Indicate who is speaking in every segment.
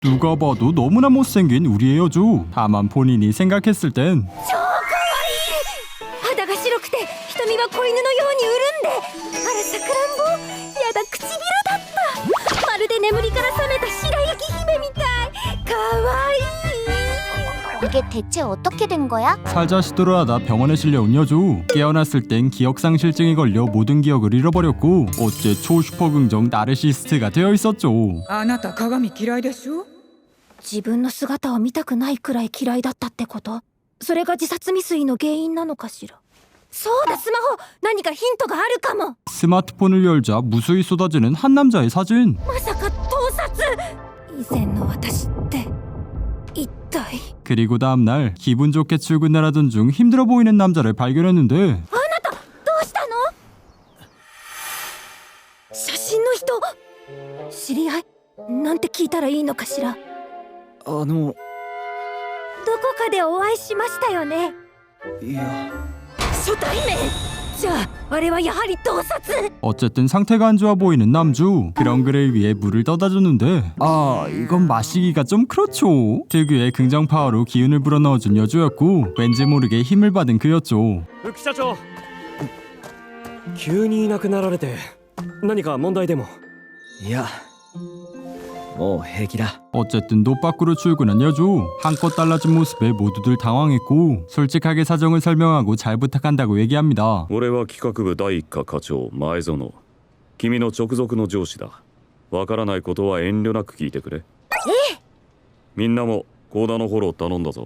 Speaker 1: 누가 봐도 너무나 못생긴 우리의 여주. 다만 본인이 생각했을 땐
Speaker 2: 超かわいい。肌が白くて瞳は子犬のように潤んで、あらさくらんぼ、やだ唇だった。まるで眠りから覚めた白雪姫みたい。かわいい。
Speaker 3: 이게 대체 어떻게 된 거야?
Speaker 1: 살자시도를 하다 병원에 실려온 여주. 깨어났을 땐 기억상실증이 걸려 모든 기억을 잃어버렸고 어째 초슈퍼긍정 나르시스트가 되어 있었죠.
Speaker 4: あなた鏡嫌いでしょ。
Speaker 2: 自分の姿を見たくないくらい嫌いだったってこと？それが自殺未遂の原因なのかしら。そうだ、スマホ。何かヒントがあるかも。
Speaker 1: 스마트폰을 열자 무수히 쏟아지는 한 남자의 사진.
Speaker 2: まさか盗撮。以前の私って一体。
Speaker 1: 그리고 다음날 기분 좋게 출근을 하던 중 힘들어 보이는 남자를 발견했는데
Speaker 2: あなたどうしたの？写真の人、知り合いなんて聞いたらいいのかしら。どこかでお会いしましたよね。
Speaker 5: いや、
Speaker 2: 初対面。じゃああれはやはり盗撮。
Speaker 1: 어쨌든 상태가 안 좋아 보이는 남주. 그런 그를 위해 물을 떠다 줬는데 이건 마시기가 좀 그렇죠. 특유의 긍정 파워로 기운을 불어넣어준 여주였고 왠지 모르게 힘을 받은 그였죠.
Speaker 5: 副社長、急にいなくなられて何か問題でも？いや、もう平気だ。
Speaker 1: 어쨌든 노 밖으로 출근한 여주. 한껏 달라진 모습에 모두들 당황했고 솔직하게 사정을 설명하고 잘 부탁한다고 얘기합니다.
Speaker 6: 俺は企画部第一課課長前園。君の直属の上司だ。わからないことは遠慮なく聞いてくれ。みんなも幸田のフォロー頼んだぞ。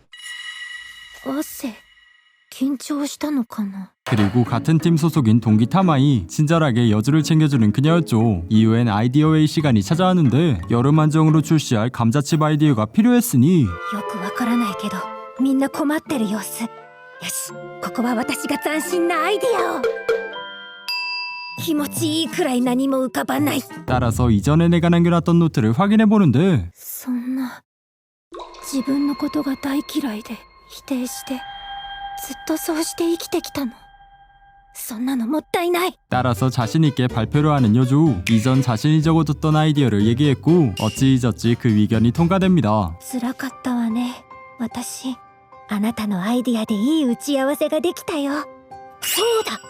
Speaker 2: 汗緊張したのかな。
Speaker 1: 그리고 같은 팀 소속인 동기 타마이. 친절하게 여주를 챙겨주는 그녀였죠. 이후엔 아이디어 웨이 시간이 찾아왔는데 여름 한정으로 출시할 감자칩 아이디어가 필요했으니
Speaker 2: よくわからないけどみんな困ってる様子。よし、ここは私が斬新なアイディアを。気持ちいいくらい何も浮かばない。
Speaker 1: 따라서 이전에 내가 남겨놨던 노트를 확인해보는데
Speaker 2: そんな、自分のことが大嫌いで否定してずっとそうして生きてきたの。そんなのもったいない。
Speaker 1: 따라서 자신있게 발표를 하는 여주. 이전 자신이 적어뒀던 아이디어를 얘기했고 어찌저찌 그 의견이 통과됩니다.
Speaker 2: 辛かったわね。私、あなたのアイディアでいい打ち合わせができたよ。そうだ、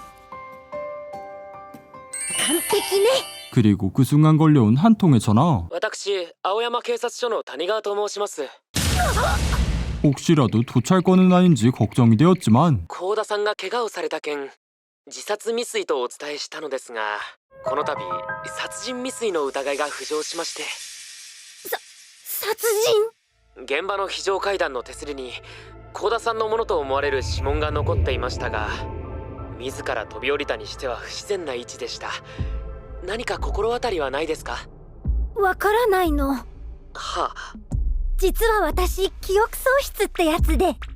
Speaker 2: 完璧ね。
Speaker 1: 그리고 그 순간 걸려온 한 통의 전화.
Speaker 5: 私、青山警察署の谷川と申します。
Speaker 1: 혹시라도 도찰권은 아닌지 걱정이 되었지만
Speaker 5: 幸田さんが怪我をされた件、自殺未遂とお伝えしたのですが、この度殺人未遂の疑いが浮上しまして。
Speaker 2: 殺人？
Speaker 5: 現場の非常階段の手すりに幸田さんのものと思われる指紋が残っていましたが、自ら飛び降りたにしては不自然な位置でした。何か心当たりはないですか？
Speaker 2: わからないの。
Speaker 5: はあ。
Speaker 2: 実は私、記憶喪失ってやつで。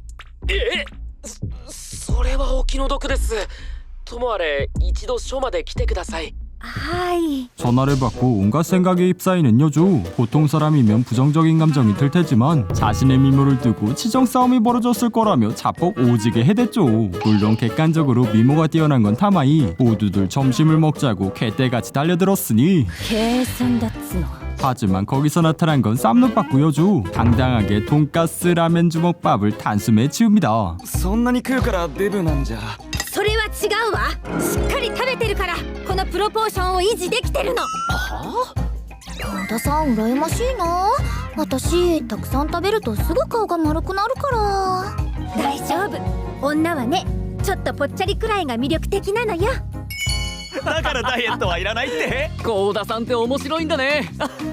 Speaker 5: それはお気の毒です。ともあれ一度署まで来てください。
Speaker 2: はい。
Speaker 1: 전화를 받고 온갖 생각에 휩싸이는 여주. 보통 사람이면 부정적인 감정이 들 테지만 자신의 미모를 두고 치정 싸움이 벌어졌을 거라며 자폭 오지게 해댔죠. 물론 객관적으로 미모가 뛰어난 건 타마이. 모두들 점심을 먹자고 개떼같이 달려들었으니
Speaker 2: 計算だっつの。
Speaker 1: 하지만 거기서 나타난 건 쌈눈밥구 여주. 당당하게 돈가스 라멘 주먹밥을 단숨에 치웁니다.
Speaker 5: そんなに食うからデブなんじゃ。
Speaker 2: それは違うわ。しっかり食べてるからこのプロポーションを維持できてるの。
Speaker 3: 幸田さん羨ましいな。私たくさん食べるとすぐ顔が丸くなるから。
Speaker 2: 大丈夫。女はね、ちょっとぽっちゃりくらいが魅力的なのよ。
Speaker 5: だからダイエットはいらないって。
Speaker 7: 幸田さんって面白いんだね。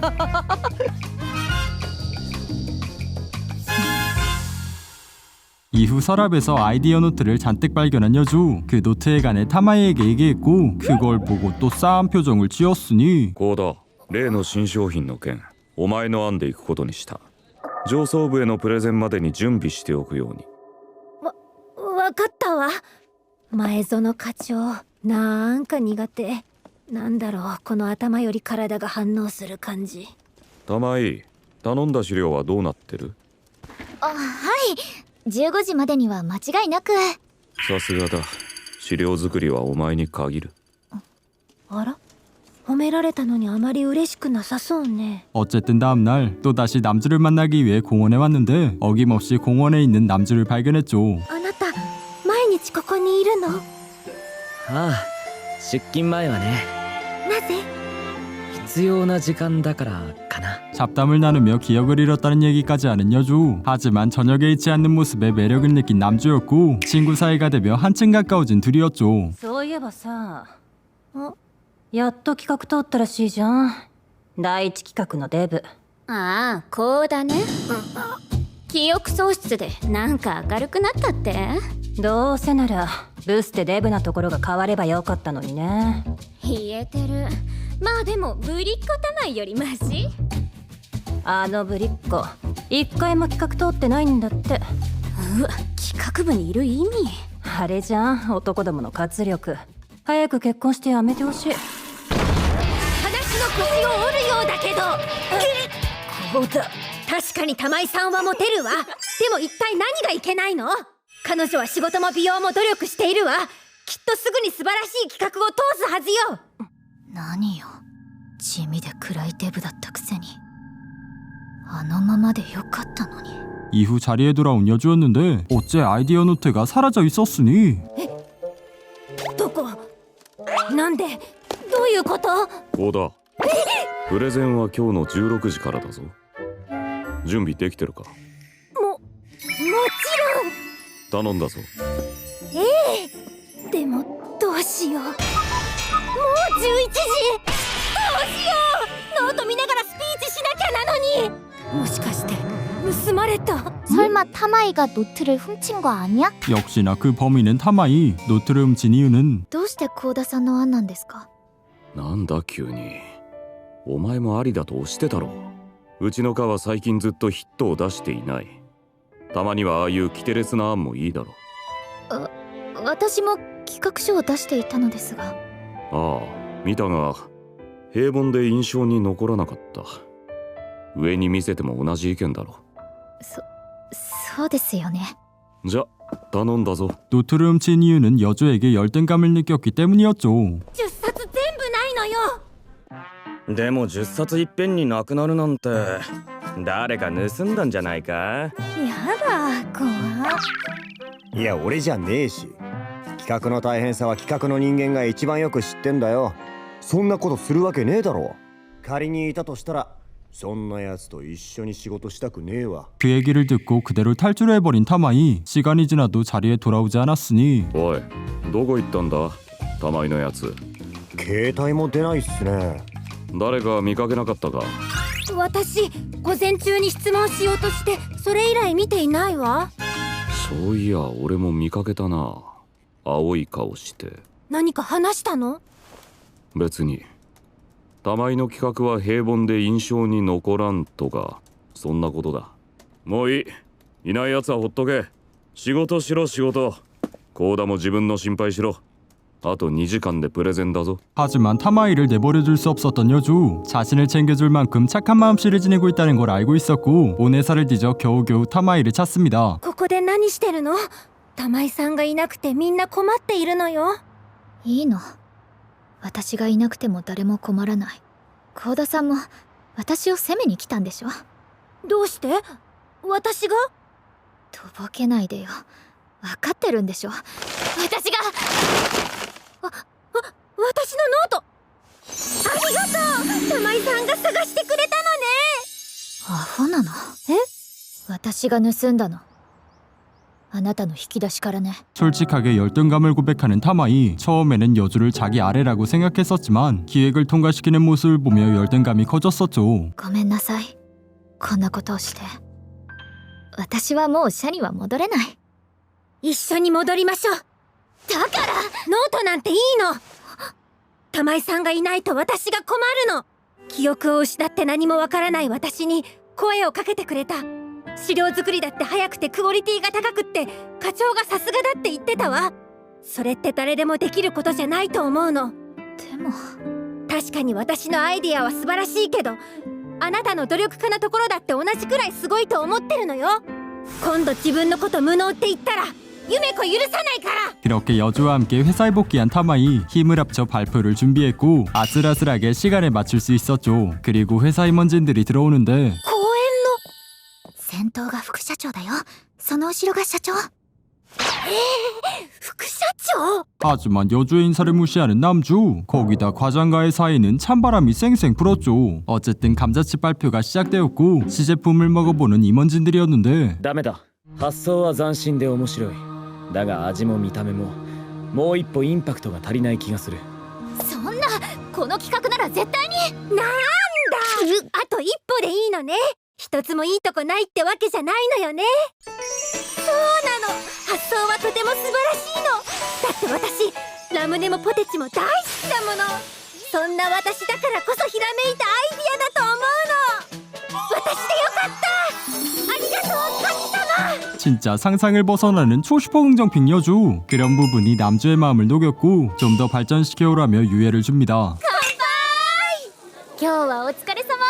Speaker 1: 이후 서랍에서 아이디어 노트를 잔뜩 발견한 여주. 그 노트에 관해 타마이에게 얘기했고 그걸 보고 또 싸한 표정을 지었으니
Speaker 6: 幸田、例の新商品の件、お前の案で行くことにした。上層部へのプレゼンまでに準備しておくように。
Speaker 2: わかったわ。前園課長、なんか苦手。なんだろう、この頭より体が反応する感じ。
Speaker 6: 玉井、頼んだ資料はどうなってる？
Speaker 3: はい、15時までには間違いなく。
Speaker 6: さすがだ。資料作りはお前に限る。
Speaker 2: あら、 褒められたのにあまり嬉しくなさそうね。
Speaker 1: 어쨌든 다음날 또다시 남주를 만나기 위해 공원에 왔는데 어김없이 공원에 있는 남주를 발견했죠.
Speaker 2: あなた毎日ここにいるの？な
Speaker 7: ああ、出勤前はね、
Speaker 2: ぜ？
Speaker 7: 必要な時間だからかな。
Speaker 1: 잡담을 나누며 기억을 잃었다는 얘기까지 하는 여주. 하지만 저녁에 잊지 않는 모습에 매력을 느낀 남주였고 친구 사이가 되며 한층 가까워진 둘이었죠.
Speaker 2: そういえばさ、やっと企画通ったらしいじゃん。第一企画のデブ。
Speaker 3: ああ、こうだね。記憶喪失でなんか明るくなったって？
Speaker 2: どうせならブスでデブなところが変わればよかったのにね。
Speaker 3: 言えてる。まあでもぶりっ子玉井よりマシ？
Speaker 2: あのぶりっ子一回も企画通ってないんだって。
Speaker 3: 企画部にいる意味。
Speaker 2: あれじゃん、男どもの活力。早く結婚してやめてほしい。
Speaker 3: 話の腰を折るようだけど。
Speaker 2: こうだ。
Speaker 3: 確かに玉井さんはモテるわ。でも一体何がいけないの？彼女は仕事も美容も努力しているわ。きっとすぐに素晴らしい企画を通すはずよ。
Speaker 8: 何よ、地味で暗いデブだったくせにあのままでよかったのに。
Speaker 1: 이후 자리에 돌아온 여주였는데 어째 아이디어 노트가 사라져 있었으니
Speaker 2: どこ？なんで？どういうこと？
Speaker 6: こうだ。プレゼンは今日の16時からだぞ。準備できてるか？
Speaker 2: もちろん。
Speaker 6: 頼んだぞ。
Speaker 2: でもどうしよう。もう11時。どうしよう。ノート見ながらスピーチしなきゃなのに。もしかして盗まれた？
Speaker 3: 설마 타마이가 노트를 훔친 거 아니야?
Speaker 1: 역시나 그 범인은 타마이. 노트를 훔친 이유는
Speaker 3: どうして幸田さんの案なんですか？
Speaker 6: なんだ急に。お前もありだと押してたろ。うちの課は最近ずっとヒットを出していない。たまにはああいうキテレツな案もいいだろ。
Speaker 3: 私も企画書を出していたのですが。
Speaker 6: ああ、見たが平凡で印象に残らなかった。上に見せても同じ意見だろ。
Speaker 3: そうですよね。
Speaker 6: じゃ頼んだぞ。
Speaker 1: 노트를 훔친 이유는 여주에게 열등감을 느꼈기 때문이었죠.
Speaker 2: 10冊全部ないのよ。
Speaker 9: でも10冊いっぺんになくなるなんて誰か盗んだんじゃないか？
Speaker 2: やだ、怖
Speaker 10: いや俺じゃねえし、企画の大変さは企画の人間が一番よく知ってんだよ。そんなことするわけねえだろ。仮にいたとしたらそんなやつと一緒に仕事したくねえわ。
Speaker 1: 그 얘기를 듣고 그대로 탈출해버린 타마이. 시간이 지나도 자리에 돌아오지 않았으니
Speaker 6: おい、どこ行ったんだ玉井のやつ。
Speaker 10: 携帯も出ないっすね。
Speaker 6: 誰か見かけなかったか？
Speaker 2: 私、午前中に質問しようとしてそれ以来見ていないわ。
Speaker 6: そういや俺も見かけたな。青い顔して。
Speaker 2: 何か話したの？
Speaker 6: 別に。玉井の企画は平凡で印象に残らんとかそんなことだ。もういい。いないやつはほっとけ。仕事しろ仕事。幸田も自分の心配しろ。あと2時間でプレゼンだぞ。
Speaker 1: 하지만 타마이를 내버려둘 수 없었던 여주. 자신을 챙겨줄 만큼 착한 마음씨를 지니고 있다는 걸 알고 있었고 오네사를 뒤져 겨우겨우 타마이를 찾습니다.
Speaker 2: ここで何してるの？玉井さんがいなくてみんな困っているのよ。
Speaker 3: いいの。私がいなくても誰も困らない。幸田さんも私を責めに来たんでしょ。
Speaker 2: どうして？私が？
Speaker 3: とぼけないでよ。分かってるんでしょ。私が
Speaker 2: 私のノート。ありがとう。玉井さんが探してくれたのね。
Speaker 3: アホなの？私が盗んだの。あなたの引き出しからね。
Speaker 1: 솔직하게 열등감을 고백하는 타마이. 처음에는 여주를 자기 아래라고 생각했었지만 기획을 통과시키는 모습을 보며 열등감이 커졌었죠.
Speaker 3: ごめんなさい。こんなことをして。私はもう社には戻れない。
Speaker 2: 一緒に戻りましょう。だからノートなんていいの。玉井さんがいないと私が困るの。記憶を失って何もわからない私に声をかけてくれた。資料作りだって早くてクオリティが高くって課長がさすがだって言ってたわ。それって誰でもできることじゃないと思うの。
Speaker 3: でも
Speaker 2: 確かに私のアイディアは素晴らしいけどあなたの努力家なところだって同じくらいすごいと思ってるのよ。今度自分のこと無能って言ったら
Speaker 3: 夢子許さないから。
Speaker 1: 그렇게 여주와 함께 회사에 복귀한 타마이 힘을 합쳐 발표를 준비했고 아슬아슬하게 시간에 맞출 수 있었죠. 그리고 회사 임원진들이 들어오는데
Speaker 3: 公園の
Speaker 8: 先頭が副社長だよ。その後ろが社長。
Speaker 3: 副社長。
Speaker 1: 하지만 여주의 인사를 무시하는 남주. 거기다 과장과의 사이는 찬바람이 쌩쌩 불었죠. 어쨌든 감자칩 발표가 시작되었고 시제품을 먹어보는 임원진들이었는데
Speaker 7: ダメだ。発想は斬新で面白い。だが味も見た目ももう一歩インパクトが足りない気がする。
Speaker 8: そんな、この企画なら絶対に。
Speaker 3: なんだ、あと一歩でいいのね。一つもいいとこないってわけじゃないのよね。そうなの、発想はとても素晴らしいの。だって私ラムネもポテチも大好きだもの。そんな私だからこそひらめいたアイディアだと思うの。私でよかった。ありがとう神様。
Speaker 1: 진짜 상상을 벗어나는 초슈퍼 긍정핑 여주. 그런 부분이 남주의 마음을 녹였고 좀 더 발전시켜오라며 유예를 줍니다.
Speaker 8: 今日はお疲れ様。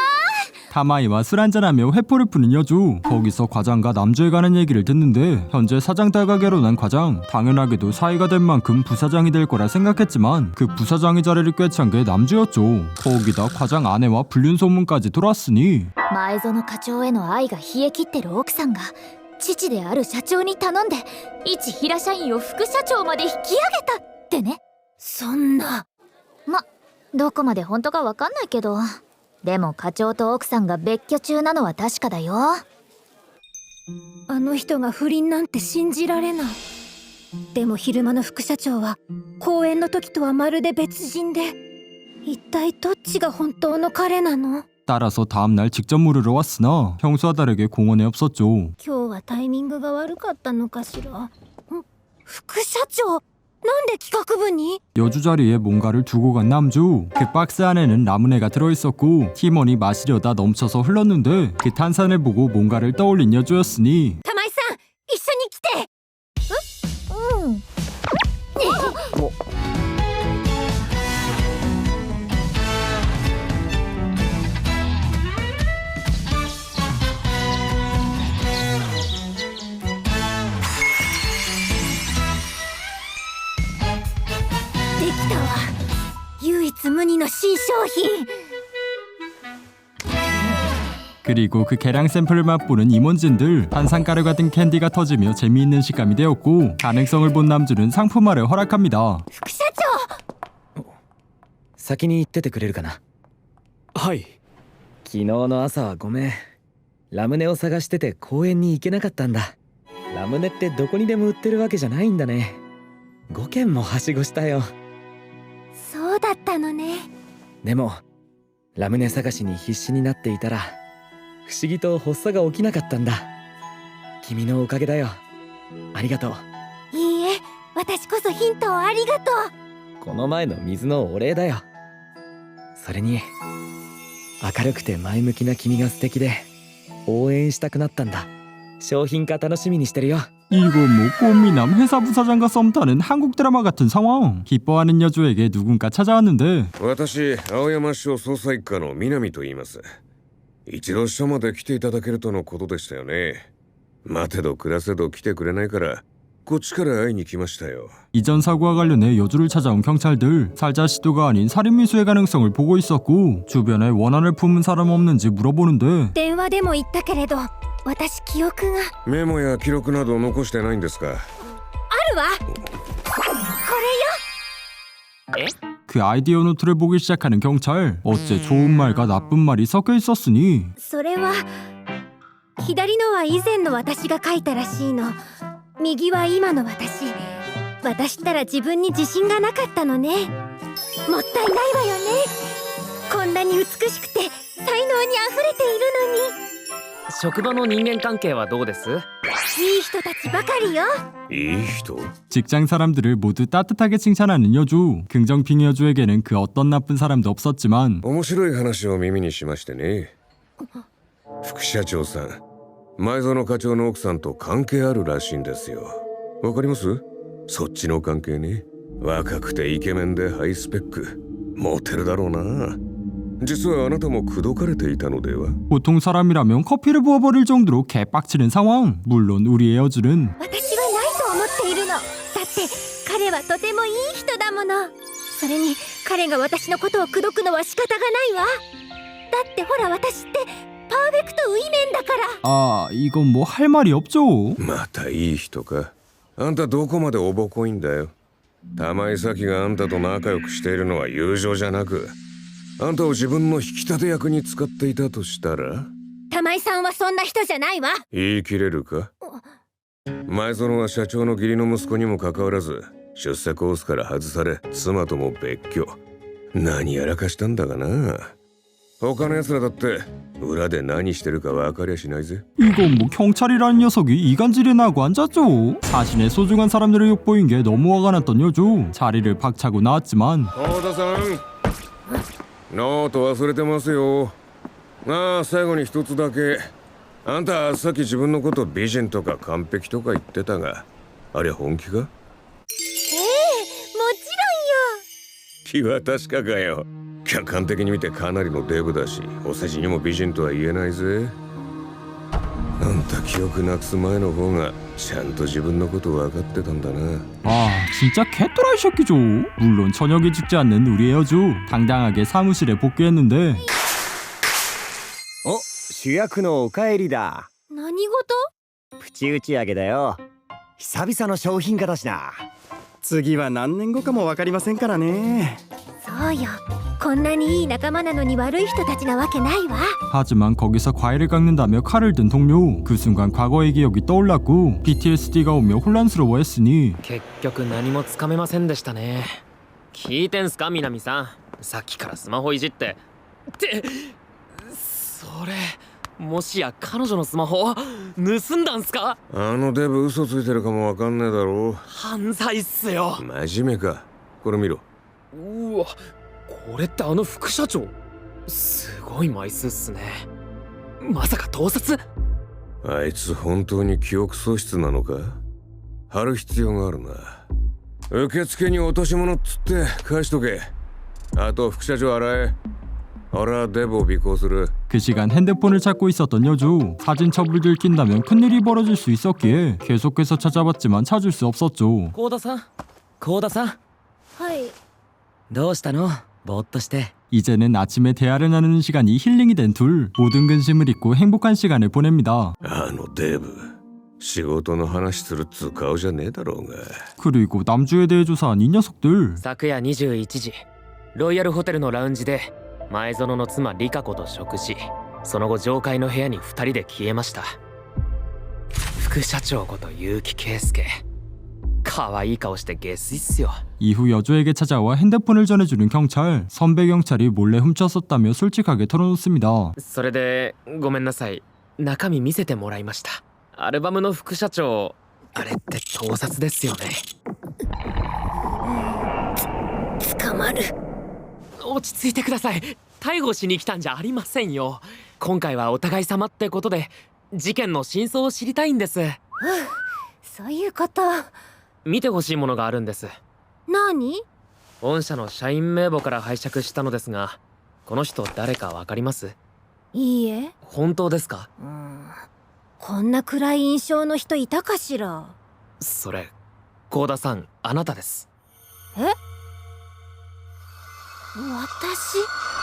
Speaker 1: 타마이와 술 한잔하며 회포를 푸는 여주. 거기서 과장과 남주에 관한 얘기를 듣는데 현재 사장 딸과 결혼한 과장. 당연하게도 사이가 된 만큼 부사장이 될 거라 생각했지만 그 부사장의 자리를 꿰찬 게 남주였죠. 거기다 과장 아내와 불륜 소문까지 돌았으니
Speaker 8: 前園課長への愛が冷え切ってる奥さんが父である社長に頼んで一平社員を副社長まで引き上げたってね。
Speaker 3: そんな。
Speaker 8: ま、どこまで本当かわかんないけど、でも課長と奥さんが別居中なのは確かだよ。
Speaker 3: あの人が不倫なんて信じられない。でも昼間の副社長は公演の時とはまるで別人で、一体どっちが本当の彼なの？
Speaker 1: 따라서 다음날 직접 물으러 왔으나 평소와 다르게 공원에 없었죠.
Speaker 3: 今日はタイミングが悪かったのかしら。副社長、なんで企画部に？
Speaker 1: 여주 자리에 뭔가를 두고 간 남주. 그 박스 안에는 라무네가 들어있었고 팀원이 마시려다 넘쳐서 흘렀는데 그 탄산을 보고 뭔가를 떠올린 여주였으니
Speaker 3: 玉井さん、一緒に来て。
Speaker 8: うん。
Speaker 3: できたわ。唯一無二の新商品。
Speaker 1: 그리고 그 계량 샘플을 맛보는 임원진들. 탄산가루 같은 캔디가 터지며 재미있는 식감이 되었고 가능성을 본 남주는 상품화를 허락합니다.
Speaker 3: 副社長。
Speaker 7: 先に行っててくれるかな。
Speaker 9: はい。
Speaker 7: 昨日の朝はごめん。ラムネを探してて公園に行けなかったんだ。ラムネってどこにでも売ってるわけじゃないんだね。5軒もはしごしたよ。
Speaker 3: そうだったのね。
Speaker 7: でもラムネ探しに必死になっていたら不思議と発作が起きなかったんだ。君のおかげだよ。ありがとう。
Speaker 3: いいえ、私こそヒントをありがとう。
Speaker 7: この前の水のお礼だよ。それに明るくて前向きな君が素敵で応援したくなったんだ。商品化楽しみにしてるよ。
Speaker 1: 이거 뭐 꽃미남 회사 부사장과 썸 타는 한국 드라마 같은 상황. 기뻐하는 여주에게 누군가 찾아왔는데
Speaker 11: 私、青山署捜査一課の南と言います。一度署まで来ていただけるとのことでしたよね。待てど暮らせど来てくれないからこっちから会いに来ましたよ。
Speaker 1: 이전 사고와 관련해 여주를 찾아온 경찰들. 살자 시도가 아닌 살인 미수의 가능성을 보고 있었고 주변에 원한을 품은 사람 없는지 물어보는데
Speaker 3: 電話でも言ったけれど、私記憶が。
Speaker 11: メモや記録など残してないんですか？
Speaker 3: あるわ。これよ。
Speaker 1: 그 아이디어 노트를 보기 시작하는 경찰. 어째 좋은 말과 나쁜 말이 섞여 있었으니
Speaker 3: それは左のは以前の私が書いたらしいの。右は今の私。渡したら自分に自信がなかったのね。もったいないわよね。こんなに美しくて才能にあふれているのに。
Speaker 5: 職場の人間関係はどうです？
Speaker 3: いい人たちばかりよ。
Speaker 11: いい人？
Speaker 1: 직장 사람들을 모두 따뜻하게 칭찬하는 여주. 긍정핑 여주에게는 그 어떤 나쁜 사람도 없었지만
Speaker 11: 面白い話を耳にしましてね。副社長さん、前園課長の奥さんと関係あるらしいんですよ。わかります？そっちの関係ね。若くてイケメンでハイスペック。モテるだろうな。実はあなたも口説かれていたのでは？
Speaker 1: 보통 사람이라면 커피를 부어버릴 정도로 개빡치는 상황. 물론 우리의 여주는
Speaker 3: 私はないと思っているって彼はとてもいい人だもの。それに彼が私のことを口説くのは仕方がないわ。だってほら私ってパーフェクトウィメンだから。
Speaker 1: 아, 이건 뭐 할 말이 없죠.
Speaker 11: またいい人か。あんたどこまでおぼこいんだよ。玉井咲があんたと仲良くしているのは友情じゃなく、あんたを自分の引き立て役に使っていたとしたら。
Speaker 3: 玉井さんはそんな人じゃないわ。
Speaker 11: 言い切れるか。前園は社長の義理の息子にもかかわらず出世コースから外され、妻とも別居。何やらかしたんだがな。他の奴らだって裏で何してるか分かりゃしないぜ。
Speaker 1: 이건 뭐 경찰이라는 녀석이 이간질이나 하고 앉았죠. 자신의 소중한 사람들을 욕보인 게 너무 화가 났던 여주. 자리를 박차고 나왔지만
Speaker 11: 幸田さん、ノート忘れてますよ。ああ、最後に一つだけ。あんたさっき自分のこと美人とか完璧とか言ってたが、あれ本気か。
Speaker 3: もち
Speaker 11: 気は確かかよ。客観的に見てかなりのデブだし、お世辞にも美人とは言えないぜ。あんた記憶なくす前の方がちゃんと自分のこと分かってたんだな。
Speaker 1: 아, 진짜 개또라이 새끼죠. 물론 저녁에 죽지 않는 우리의 여주. 당당하게 사무실에 복귀했는데
Speaker 10: お、主役のおかえりだ。
Speaker 3: ろんよ。何事？
Speaker 10: プチ打ち上げだよ。久々の商品化だしな。
Speaker 12: 次は何年後かも分かりませんからね。
Speaker 3: そうよ。こんなにいい仲間なのに悪い人たちなわけないわ。
Speaker 1: 하지만 거기서 과일을 깎는다며 칼을 든 동료. 그 순간 과거의 기억이 떠올랐고 PTSD가 오며 혼란스러워했으니
Speaker 5: 結局何もつかめませんでしたね。聞いてんすか南さん。さっきからスマホいじってってそれもしや彼女のスマホ盗んだんすか。
Speaker 11: あのデブ嘘ついてるかも分かんねえだろう。
Speaker 5: 犯罪っすよ。
Speaker 11: 真面目か。これ見ろ。
Speaker 5: うわ、これってあの副社長。すごい枚数っすね。まさか盗撮。
Speaker 11: あいつ本当に記憶喪失なのか。貼る必要があるな。受付に落とし物っつって返しとけ。あと副社長洗え。俺デブを尾行する。
Speaker 1: 그 시간 핸드폰을 찾고 있었던 여주. 사진 첩을 들킨다면 큰일이 벌어질 수 있었기에 계속해서 찾아봤지만 찾을 수 없었죠.
Speaker 7: 幸田さん、幸田さん、
Speaker 3: はい。
Speaker 7: どうしたの？ぼーっとして。
Speaker 1: 이제는 아침에 대화를 나누는 시간이 힐링이 된 둘. 모든 근심을 잊고 행복한 시간을 보냅니다.
Speaker 11: あのデブ仕事の話するっつう顔じゃねえだろうが。
Speaker 1: 그리고 남주에 대해 조사한 이 녀석들.
Speaker 5: 昨夜21時ロイヤルホテルのラウンジで前園の妻リカ子と食事。その後上階の部屋に2人で消えました。副社長こと結城圭介。可愛い顔して下水っすよ。
Speaker 1: 이후 여주에게 찾아와 핸드폰을 전해주는 경찰. 선배 경찰이 몰래 훔쳤었다며 솔직하게 털어놓습니다.
Speaker 5: それでごめんなさい、中身見せてもらいました。アルバムの副社長、あれって盗撮ですよね。
Speaker 3: 捕まる。
Speaker 5: 落ち着いてください。逮捕しに来たんじゃありませんよ。今回はお互い様ってことで事件の真相を知りたいんです。
Speaker 3: そういうこと。
Speaker 5: 見てほしいものがあるんです。
Speaker 3: 何？
Speaker 5: 御社の社員名簿から拝借したのですが、この人誰かわかります？
Speaker 3: いいえ。
Speaker 5: 本当ですか？
Speaker 3: こんな暗い印象の人いたかしら。
Speaker 5: それ幸田さん、あなたです。
Speaker 3: え？私？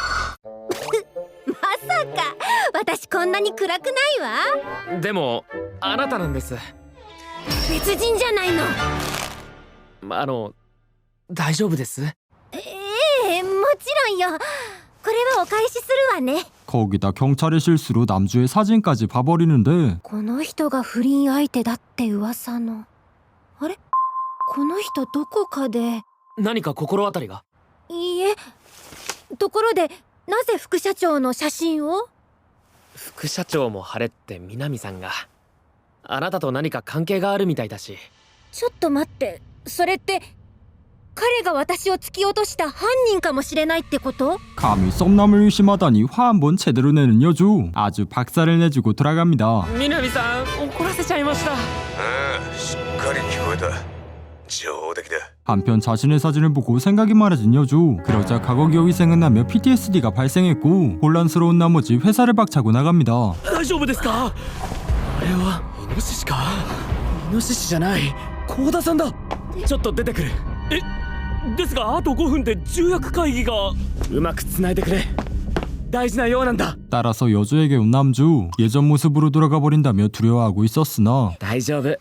Speaker 3: まさか私こんなに暗くないわ。
Speaker 5: でもあなたなんです。
Speaker 3: 別人じゃないの。
Speaker 5: 大丈夫です。
Speaker 3: もちろんよ。これはお返しするわね。
Speaker 1: 거기다 경찰의 실수로 남주의 사진까지 봐버리는데
Speaker 3: この人が不倫相手だって噂の。あれ？この人どこかで。
Speaker 5: 何か心当たりが？
Speaker 3: いいえ。ところでなぜ副社長の写真を？
Speaker 5: 副社長も晴れって南さんが。あなたと何か関係があるみたいだし。
Speaker 3: ちょっと待って、それって彼が私を突き落とした犯人かもしれないってこと？
Speaker 1: 감히 썸남을 의심하다니 화 한번 제대로 내는 여주. 아주 박살을 내주고 돌아갑니다.
Speaker 5: 南さん、怒らせちゃいました。
Speaker 11: ああ、しっかり聞こえた。上出来だ。
Speaker 1: 한편 자신의 사진을 보고 생각이 많아진 여주. 그러자 과거 기억이 생각나며 PTSD가 발생했고 혼란스러운 나머지 회사를 박차고 나갑니다.
Speaker 5: 大丈夫ですか？あれはイノシシか？
Speaker 7: イノシシじゃない。幸田さんだ。 ちょっと出てくる。
Speaker 9: ですがあと5分で重役会議が。
Speaker 7: うまく繋いでくれ。大事なようなんだ。
Speaker 1: 따라서 여주에게 온 남주. 예전 모습으로 돌아가 버린다며 두려워하고 있었으나
Speaker 7: 大丈夫。い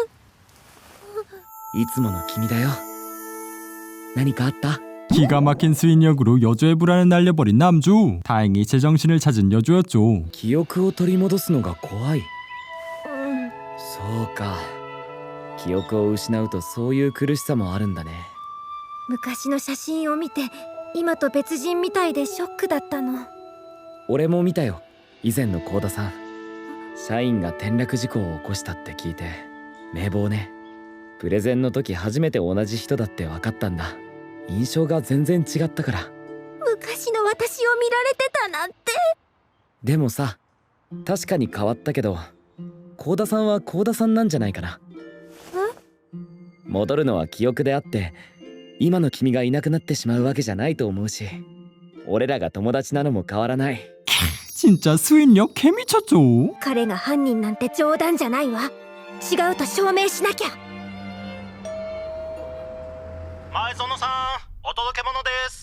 Speaker 7: つもの君だよ。何かあった？
Speaker 1: 기가 막힌 수인력으로 여주의 불안을 날려버린 남주. 다행히 제정신을 찾은 여주였죠.
Speaker 7: 記憶を取り戻すのが怖い。そうか。記憶を失うとそういう苦しさもあるんだね。
Speaker 3: 昔の写真を見て今と別人みたいでショックだったの。
Speaker 7: 俺も見たよ。以前の幸田さん。社員が転落事故を起こしたって聞いて名簿ね。プレゼンの時初めて同じ人だって分かったんだ。印象が全然違ったから。
Speaker 3: 昔の私を見られてたなんて。
Speaker 7: でもさ、確かに変わったけど幸田さんは幸田さんなんじゃないかな。戻るのは記憶であって今の君がいなくなってしまうわけじゃないと思うし、俺らが友達なのも変わらない。
Speaker 1: 진짜 수인력 개미쳤죠.
Speaker 3: 彼が犯人なんて冗談じゃないわ。違うと証明しなきゃ。
Speaker 12: 前園さん、お届け物です。